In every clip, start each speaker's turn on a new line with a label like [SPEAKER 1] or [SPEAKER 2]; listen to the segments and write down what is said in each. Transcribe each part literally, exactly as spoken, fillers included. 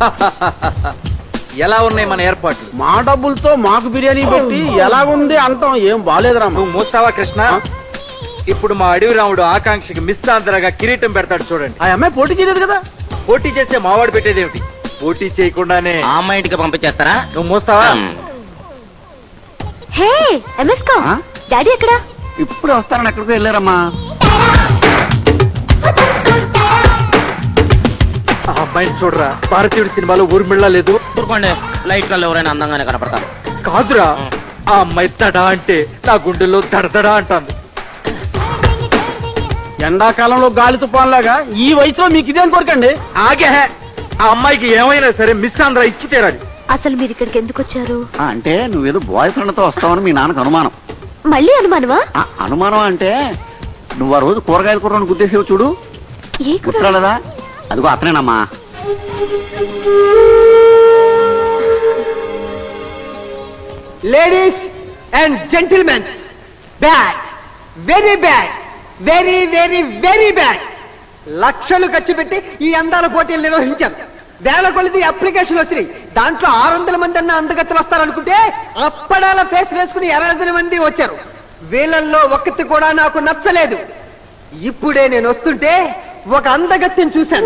[SPEAKER 1] ఎలా ఉన్నాయి మన ఏర్పాట్లు?
[SPEAKER 2] మా డబ్బులతో మాకు బిర్యానీ పెట్టి ఎలాగుంది అంటాం. ఏం బాలేదురా.
[SPEAKER 1] నువ్వు మూస్తావా కృష్ణ? ఇప్పుడు మా అడవి రాముడు ఆకాంక్షకి మిస్ ఆంధ్రగా కిరీటం పెడతాడు చూడండి.
[SPEAKER 2] ఆ అమ్మాయి పోటీ చేయలేదు కదా.
[SPEAKER 1] పోటీ చేస్తే మావాడు పెట్టేదేమిటి? పోటీ చేయకుండానే
[SPEAKER 3] ఆ అమ్మాయి ఇంటికి పంపించేస్తారా?
[SPEAKER 1] నువ్వు మూస్తావా?
[SPEAKER 4] హే ఎంఎస్కో, డాడీ ఎక్కడా?
[SPEAKER 2] ఇప్పుడు వస్తారని ఎక్కడికి వెళ్ళారమ్మా.
[SPEAKER 1] ఆ అమ్మాయిని చూడరా, భారతీయుడు సినిమాలో ఊర్మిళ్ళ లేదు.
[SPEAKER 3] ఊరుకోండి, లైట్ కళ్ళు ఎవరైనా అందంగానే కనపడతారు.
[SPEAKER 1] కాదురా, ఆ అమ్మాయి తడా అంటే నా గుండెల్లో దడదడా అంటాను.
[SPEAKER 2] ఎండాకాలంలో గాలి తుఫాన్లాగా ఈ వయసులో మీకు ఇదేం కోరికండి?
[SPEAKER 1] ఆగే, ఆ అమ్మాయికి ఏమైనా సరే మిస్ ఆంధ్ర ఇచ్చి తీరాలి.
[SPEAKER 4] అసలు మీరు ఇక్కడికి ఎందుకు వచ్చారు?
[SPEAKER 2] అంటే నువ్వేదో బాయ్ ఫ్రెండ్ తో వస్తావని మీ నాన్నకు అనుమానం.
[SPEAKER 4] మళ్ళీ అనుమానమా?
[SPEAKER 2] అనుమానం అంటే నువ్వు ఆ రోజు కూరగాయల కూరను గుద్దేసేవు చూడు,
[SPEAKER 4] ఏ కూర?
[SPEAKER 2] గుర్తురాలేదా? అదిగో అతనేనమ్మా.
[SPEAKER 5] Ladies and gentlemen, bad, very bad, very very very bad. లక్షలు ఖర్చు పెట్టి ఈ అందాల పోటీలు నిర్వహించారు. వేల కొలిది అప్లికేషన్ వచ్చినాయి. దాంట్లో ఆరు వందల మంది అన్న అందగత్తలు వస్తారనుకుంటే అప్పడాల ఫేస్ వేసుకుని ఎరడజన మంది వచ్చారు. వీళ్ళల్లో ఒక్కటి కూడా నాకు నచ్చలేదు. ఇప్పుడే నేను వస్తుంటే ఒక అందగత్తిని చూశాను.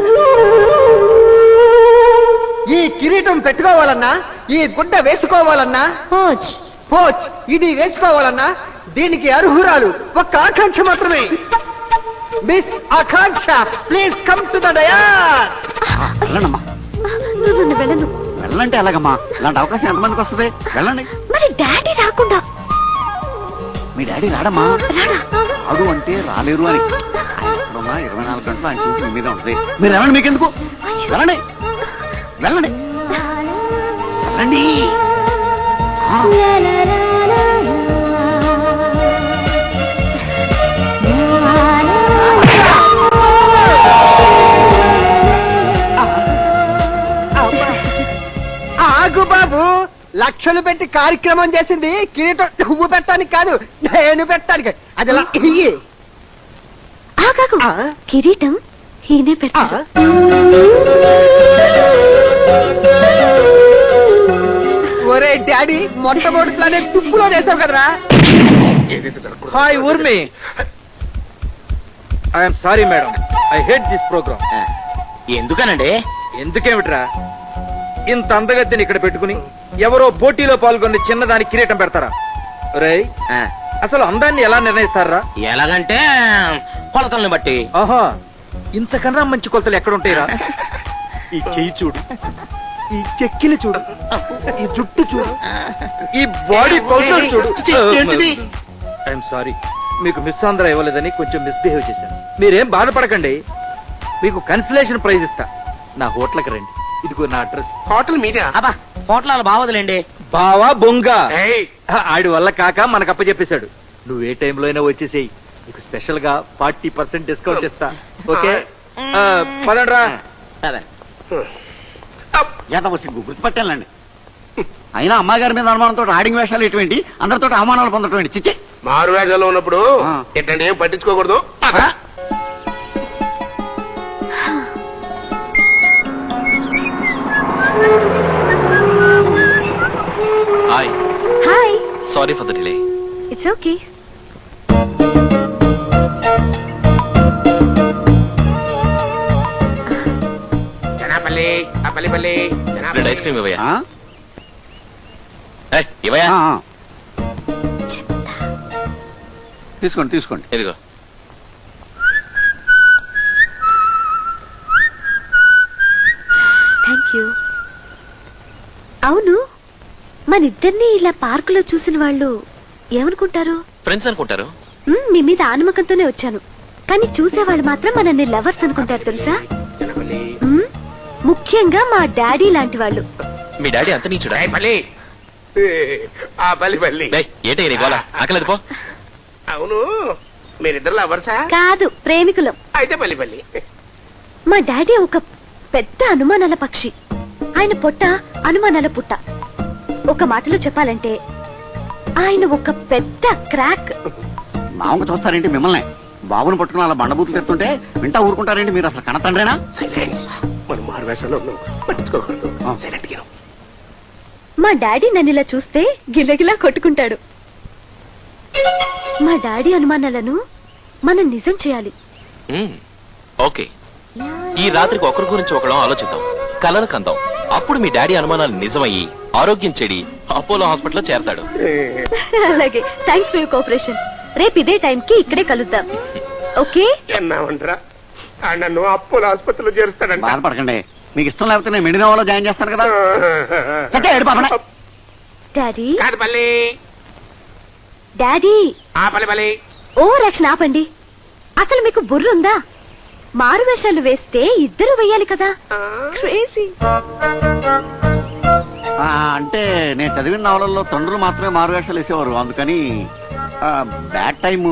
[SPEAKER 5] ఈ కిరీటం పెట్టుకోవాలన్నా, ఈ గుడ్డ వేసుకోవాలన్నా,
[SPEAKER 4] పోచ్
[SPEAKER 5] పోచ్ ఇది వేసుకోవాలన్నా దీనికి అర్హురాలు ఒక్క ఆకాంక్ష మాత్రమే. Miss Akanksha, please come to the dais.
[SPEAKER 2] వెళ్ళండమ్మా.
[SPEAKER 4] నువ్వు వెళ్ళను.
[SPEAKER 2] వెళ్ళంటే ఎలాగమ్మా? ఇలాంటి అవకాశం ఎంతమందికి వస్తుంది? వెళ్ళండి.
[SPEAKER 4] మరి డాడీ రాకుండా?
[SPEAKER 2] మీ డాడీ రాడమ్మా.
[SPEAKER 4] రాడా?
[SPEAKER 2] రాడు అంటే రాలేరు అని. ఆయన ఎక్కడున్నా ఇరవై నాలుగు గంటలు ఆయన చూసి మీ మీద ఉంటుంది. మీరు వెళ్ళండి, మీకెందుకు? వెళ్ళండి వెళ్ళండి వెళ్ళండి.
[SPEAKER 5] ఆగు బాబు, లక్షలు పెట్టి కార్యక్రమం చేసింది కిరీటం నువ్వు పెట్టడానికి కాదు, నేను పెట్టడానికి. అది ఎలా ఇయ్యి.
[SPEAKER 4] ఆగాకు,
[SPEAKER 5] ఆ?
[SPEAKER 4] కిరీటం ఈయనే పెడతారు.
[SPEAKER 5] ఒరే డాడీ, మొట్టమొదటి ప్లాన్ తుప్పులో చేసావు కదరా.
[SPEAKER 1] Hi Urmi. I'm sorry madam, I hate this programme.
[SPEAKER 3] ఎందుకనండి?
[SPEAKER 1] ఎందుకేమిట్రా, ఇంత అందగత్తిని ఇక్కడ పెట్టుకుని ఎవరో పోటీలో పాల్గొని చిన్నదాని కిరీటం పెడతారా? రేయ్,
[SPEAKER 3] ఆ,
[SPEAKER 1] అసలు అందాన్ని ఎలా నిర్ణయిస్తారా?
[SPEAKER 3] ఎలాగంటే కొలతల్ని బట్టి.
[SPEAKER 1] ఆహా, ఇంతకన్నా మంచి కొలతలు ఎక్కడుంటాయిరా? ఈ చెయ్యి చూడు, ఈ చెక్కిలి చూడు, ఈ జుట్టు చూడు, ఈ బాడీ కొలతలు చూడు. ఐఎమ్ సారీ, మీకు మిస్ ఆంధ్ర ఇవ్వలేదని కొంచెం మిస్బిహేవ్ చేశాను. మీరేం బాధపడకండి, మీకు కన్సలేషన్ ప్రైజ్ ఇస్తా. నా హోటల్కి రండి, ఇదిగో నా అడ్రస్.
[SPEAKER 6] హోటల్ మీదే?
[SPEAKER 3] అబ్బా, హోటల్ బావదులేండి.
[SPEAKER 1] బావా బొంగ,
[SPEAKER 6] ఏయ్,
[SPEAKER 1] ఆడి వల్ల కాక మనకు అప్పచెప్పేశాడు. నువ్వు ఏ టైంలో అయినా వచ్చేసేయి, నీకు స్పెషల్ గా ఫార్టీ పర్సెంట్ డిస్కౌంట్ ఇస్తా. ఓకే, ఆ, పదండ్రా.
[SPEAKER 3] అదే
[SPEAKER 2] ఎంత సిగ్గు, గుర్తుపట్టాలండి. అయినా అమ్మాయి గారి మీద అనుమానంతో ఆడింగ్ వేషాలు ఎటువంటి, అందరితో అవమానాలు పొందటం చిచ్చే.
[SPEAKER 6] మారు వేషాల్లో ఉన్నప్పుడు
[SPEAKER 2] ఆ.
[SPEAKER 6] ఎట్టండి ఏం పట్టించుకోకూడదు.
[SPEAKER 7] Hi,
[SPEAKER 4] hi.
[SPEAKER 7] Sorry for the delay.
[SPEAKER 4] It's okay.
[SPEAKER 6] Janapalli, ఆ పల్లి పల్లి, జనాపల్లి.
[SPEAKER 7] రెండు ఐస్ క్రీమ్ ఇవ్వయా?
[SPEAKER 2] ఆ?
[SPEAKER 7] ఏయ్, ఇవ్వయా?
[SPEAKER 2] ఆ, ఆ. తీసుకోండి తీసుకోండి.
[SPEAKER 7] ఇదిగో.
[SPEAKER 4] Thank you. అవును, మన ఇద్దరిని ఇలా పార్కులో చూసిన వాళ్ళు ఏమనుకుంటారు?
[SPEAKER 7] ఫ్రెండ్స్ అనుకుంటారు.
[SPEAKER 4] మ్మ్, మీ మీద ఆనమకంతోనే వచ్చాను, కానీ చూసేవాళ్ళు మాత్రం మనల్ని లవర్స్ అనుకుంటారు తెలుసా?
[SPEAKER 6] జనాపల్లి.
[SPEAKER 4] మ్మ్, ముఖ్యంగా మా డాడీ లాంటి వాళ్ళు.
[SPEAKER 7] మీ డాడీ అంత నీచుడా?
[SPEAKER 6] ఏయ్, పల్లి, ఆ పల్లి పల్లి.
[SPEAKER 7] ఏంటి నీ గోల? ఆకలేదు పో.
[SPEAKER 6] అవును, మీరిద్దరు లవర్సా?
[SPEAKER 4] కాదు, ప్రేమికులం.
[SPEAKER 6] అయితే పల్లి పల్లి.
[SPEAKER 4] మా డాడీ ఒక పెద్ద అనుమానాల పక్షి. ఆయన పొట్ట అనుమానాల పుట్ట. ఒక మాటలో చెప్పాలంటే ఆయన ఒక పెద్ద క్రాక్.
[SPEAKER 2] మామూలు చూస్తారేంటి మిమ్మల్ని? బాబుని పట్టుకుని అలా బండబూతులు తెస్తుంటే వింటా ఊరుకుంటారేంటి మీరు? అసలు కనతండ్రేనా?
[SPEAKER 6] సైలెన్స్. మన మారు మారువేషంలో ఉన్నావు పట్టించుకోకూడదు సైలెంట్ గా
[SPEAKER 4] మా డాడీ నన్ను ఇలా చూస్తే గిలగిలా కొట్టుకుంటాడు. మా డాడీ అనుమానాలను మనం నిజం చేయాలి.
[SPEAKER 7] మ్మ్. ఓకే ఈ రాత్రికి ఒకరి గురించి ఒకళ్ళం ఆలోచిద్దాం, కలలు కందాం. అప్పుడు మీ డాడీ అనుమానాలు నిజమయ్యి ఆరోగ్యం చెడి అపోలో హాస్పిటల్లో చేరతాడు.
[SPEAKER 4] అలాగే, థ్యాంక్స్ ఫర్ యూర్ కోఆపరేషన్. రేపు ఇదే టైం కి ఇక్కడే కలుద్దాం. ఓకే?
[SPEAKER 6] ఎన్నామంటారా నన్ను అప్పుల ఆసుపత్రిలో చేరుస్తాడంట.
[SPEAKER 2] బాధపడకండి, మీకు ఇష్టం లేకపోతే నేను మెడినోవాలో జాయిన్ చేస్తాను కదా. చచ్చా, ఏడు పాపనే.
[SPEAKER 4] డాడీ
[SPEAKER 6] కాదు పల్లి
[SPEAKER 4] డాడీ
[SPEAKER 6] ఆ పల్లి పల్లి
[SPEAKER 4] ఓ రక్షణ ఆపండి. అసలు మీకు బుర్రుందా? మారు వేషాలు వేస్తే ఇద్దరు వెయ్యాలి కదా. క్రేజీ.
[SPEAKER 2] ఆ, అంటే నేను చదివిన నవలల్లో తండ్రులు మాత్రమే మారువేషాలు వేసేవారు, అందుకని బ్యాడ్ టైము.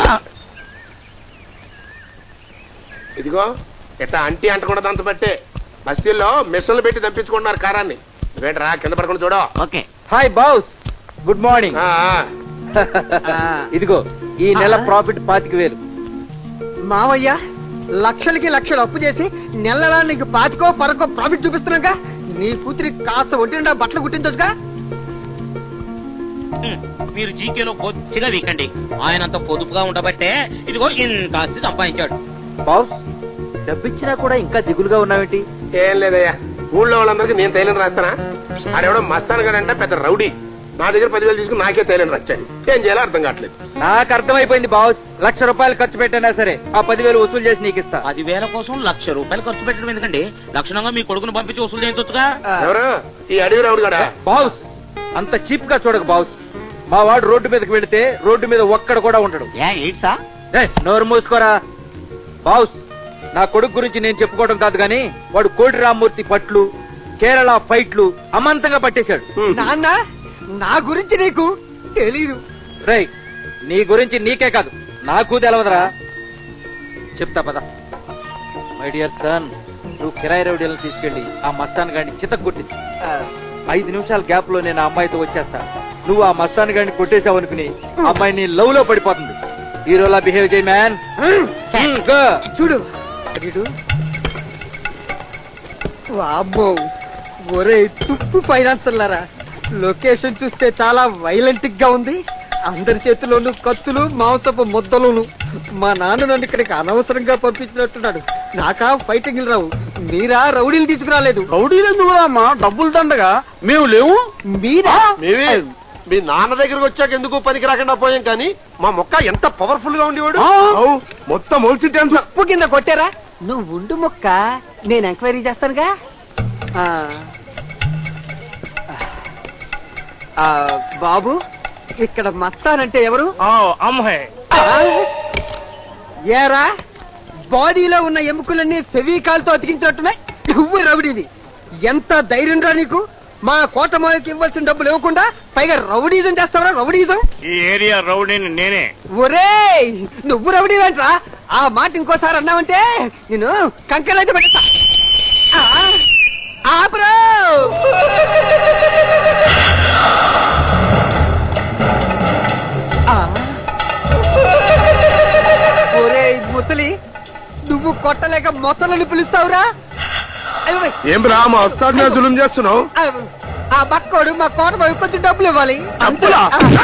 [SPEAKER 6] ఇదిగో ఇట్లా అంటీ అంటకుండా దాంతో బట్టే బస్తీల్లో మిషన్లు పెట్టి తప్పించుకుంటున్నారు కారాన్ని. వేటరా కింద పడకుండా చూడ.
[SPEAKER 2] Okay.
[SPEAKER 1] Hi boss, good morning.
[SPEAKER 6] ఆ,
[SPEAKER 1] ఇదిగో ఈ నెల ప్రాఫిట్ పాతిక వేలు.
[SPEAKER 5] మావయ్య లక్షలకి లక్షలు అప్పు చేసి నెలలా నీకు పాతికో పరకో ప్రాఫిట్ చూపిస్తున్నాగా. నీ కూతురి కాస్త ఒంటిండా బట్టలు కుట్టించొచ్చుగా.
[SPEAKER 3] మీరు జీకేలో కొద్దిగా వీకండి. ఆయనంత పొదుపుగా ఉండబట్టే ఇదిగో ఇంత ఆస్తి సంపాదించాడు.
[SPEAKER 1] బాస్, డబ్బిచ్చినా కూడా ఇంకా దిగులుగా ఉన్నావేంటి?
[SPEAKER 6] ఏం లేదయ్యా, ఊళ్ళో వాళ్ళందరికీ నేను తైలం రాస్తానా? ఆడెవడో మస్తాను కదంటే పెద్ద రౌడీ నా దగ్గర పదివేలు తీసుకుని నాకే తైలం రచ్చాను. ఏం చేయాలో అర్థం కావట్లేదు.
[SPEAKER 1] నాకు అర్థమైపోయింది బాస్. లక్ష రూపాయలు ఖర్చు పెట్టినా సరే ఆ పదివేలు వసూలు చేసి నీకు ఇస్తా.
[SPEAKER 3] పదివేల కోసం లక్ష రూపాయలు ఖర్చు పెట్టడం ఎందుకండి? లక్షణంగా మీ కొడుకును పంపించి వసూలు చేయించొచ్చుగా.
[SPEAKER 6] ఎవరు ఈ అడవి రౌడీ కూడా?
[SPEAKER 1] బాస్, అంత చీప్ గా చూడక బాస్. మా వాడు రోడ్డు మీదకి వెళితే రోడ్డు మీద ఒక్కడ కూడా ఉండడు.
[SPEAKER 2] ఏ ఎయిట్సా?
[SPEAKER 1] ఏయ్, నోరు మూసుకోరా బాస్. నా కొడుకు గురించి నేను చెప్పుకోవడం కాదు గాని వాడు కోటి రామ్మూర్తి పట్లు, కేరళ ఫైట్లు అమాంతంగా పట్టేశాడు.
[SPEAKER 5] నాన్న, నా గురించి నీకు తెలీదు.
[SPEAKER 1] రేయ్, నీ గురించి నీకే కాదు నాకు తెలవదురా. చెప్తా పద. మై డియర్ సన్, నువ్వు కిరాయి రౌడీలను తీసుకెళ్లి ఆ మస్తాన్ గాడిని చితక్కొట్టి ఐదు నిమిషాల గ్యాప్ లో నేను ఆ అమ్మాయితో వచ్చేస్తా. నువ్వు ఆ మస్తాన్ గాడిని కొట్టేసావు అనుకుని ఆ అమ్మాయి నీ లవ్ లో పడిపోతుంది. హీరోలా బిహేవ్ చేయి మ్యాన్.
[SPEAKER 5] చూడు వీడు. వామ్మో, ఒరే తుప్పు ఫైనాన్సర్లారా, లొకేషన్ చూస్తే చాలా వైలెంట్ గా ఉంది. అందరి చేతిలోనూ కత్తులు, మాంసపు ముద్దలును. మా నాన్న నన్ను ఇక్కడికి అనవసరంగా పంపించినట్టున్నాడు. నాకా ఫైటింగ్ రావు, మీరా రౌడీలు తీసుకురాలేదు.
[SPEAKER 2] రౌడీలు ఎందుకు రామ్మా? డబ్బులు దండగా మేము లేవు.
[SPEAKER 5] మీరా?
[SPEAKER 6] మేమే మీ నాన్న దగ్గరకు వచ్చాక ఎందుకు పనికి రాకుండా పోయాం, కానీ మా మొక్క ఎంత పవర్ఫుల్ గా ఉండేవాడు. మొత్తం మొలిసింటే అంత
[SPEAKER 5] ఉప్పు కింద కొట్టారా? నువ్వు ఉండు మొక్క, నేను ఎంక్వైరీ చేస్తానుగా. ఆ, ఆ, బాబు, ఇక్కడ మస్తానంటే ఎవరు?
[SPEAKER 6] అమ్మాయి
[SPEAKER 5] ఆ? ఏరా, బాడీలో ఉన్న ఎముకలన్నీ ఫెవికాల్ తో అతికించినట్టున్నాయి. నువ్వు రౌడీవి. ఎంత ధైర్యం రా నీకు? మా కోటమాలకి ఇవ్వాల్సిన డబ్బులు ఇవ్వకుండా పైగా రౌడీజం చేస్తావరా? రౌడీజం?
[SPEAKER 6] ఈ ఏరియా రౌడీని నేనే.
[SPEAKER 5] ఒరేయ్, నువ్వు రౌడీవేంట్రా? ఆ మాట ఇంకోసారి అన్నావంటే నేను కంకరైతే పెట్టా. ఆపురో. ఒరేయ్ ముసలి, నువ్వు కొట్టలేక మొసలని పిలుస్తావురా?
[SPEAKER 6] ఏం రా మా వస్తాద్ మీద జులుం చేస్తున్నావు?
[SPEAKER 5] ఆ బక్కోడు మా కోట వైపు కొంచెం డబ్బులు ఇవ్వాలి.
[SPEAKER 6] డబ్బులా?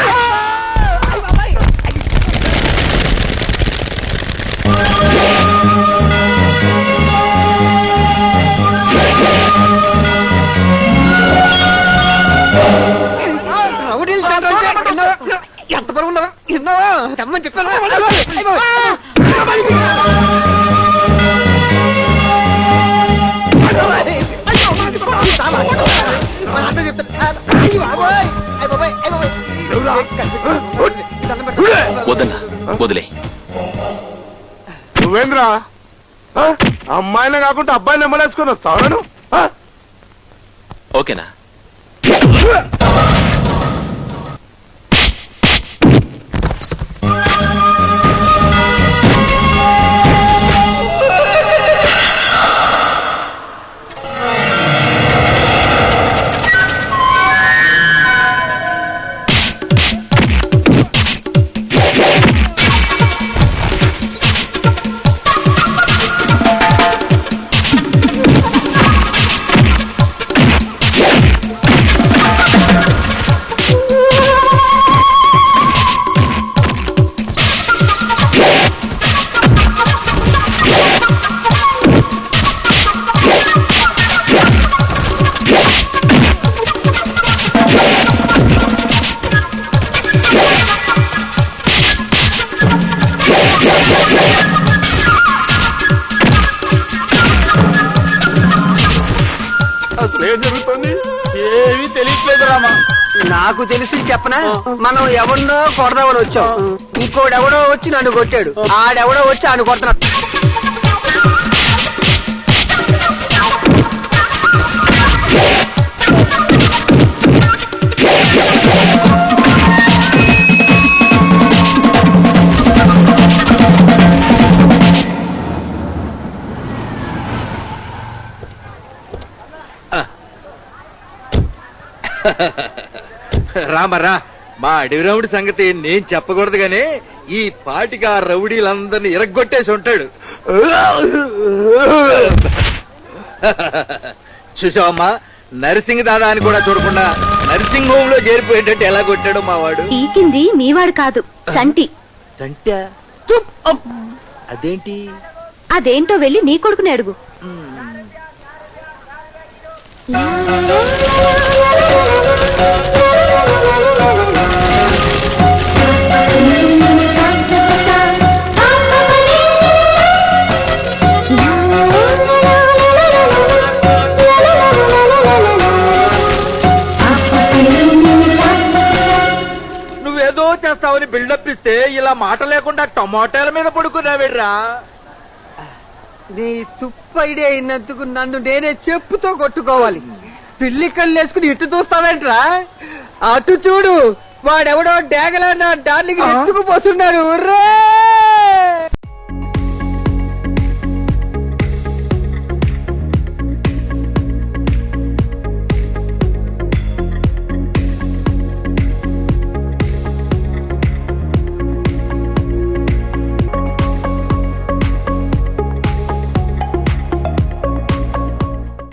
[SPEAKER 5] రౌడీలు ఎంత బరువు ఉన్నావా? ఎన్నోవా తెమ్మని చెప్పాను.
[SPEAKER 7] వదన్నా, వదిలే.
[SPEAKER 6] నువ్వేంద్రా అమ్మాయినే కాకుండా అబ్బాయిని ఎమ్మలేసుకొని వస్తావు?
[SPEAKER 7] ఓకేనా?
[SPEAKER 5] నాకు తెలిసి చెప్పనా, మనం ఎవరినో కొడదామని వచ్చాం, ఇంకోడెవడో వచ్చి నన్ను కొట్టాడు, ఆడెవడో వచ్చి ఆయన కొడుతున్నాడు.
[SPEAKER 1] రామరా, మా అడవి రౌడి సంగతి నేను చెప్పకూడదు గానీ ఈ పాటికి ఆ రౌడీలందరినీ ఇరగ్గొట్టేసి ఉంటాడు. చూసావమ్మా, నర్సింగ్ దాదా అని కూడా చూడకుండా నర్సింగ్ హోమ్ లో చేరిపోయేటట్టు ఎలా కొట్టాడు మా వాడు.
[SPEAKER 4] పీకింది మీవాడు కాదు, చంటి.
[SPEAKER 1] అంటే అదేంటి?
[SPEAKER 4] అదేంటో వెళ్ళి నీ కొడుకుని అడుగు.
[SPEAKER 1] నువ్వేదో చేస్తావని బిల్డప్ ఇస్తే ఇలా మాట లేకుండా టమాటాల మీద పడుకున్నావేడ్రా.
[SPEAKER 5] నీ తుప్పు ఐడియా అయినందుకు నన్ను నేనే చెప్పుతో కొట్టుకోవాలి. పిల్లి కళ్ళు వేసుకుని ఇటు చూస్తావేంట్రా? అటు చూడు, వాడెవడో డేగలా నా డార్లింగ్ ఎత్తుకుపోతున్నాడు. రే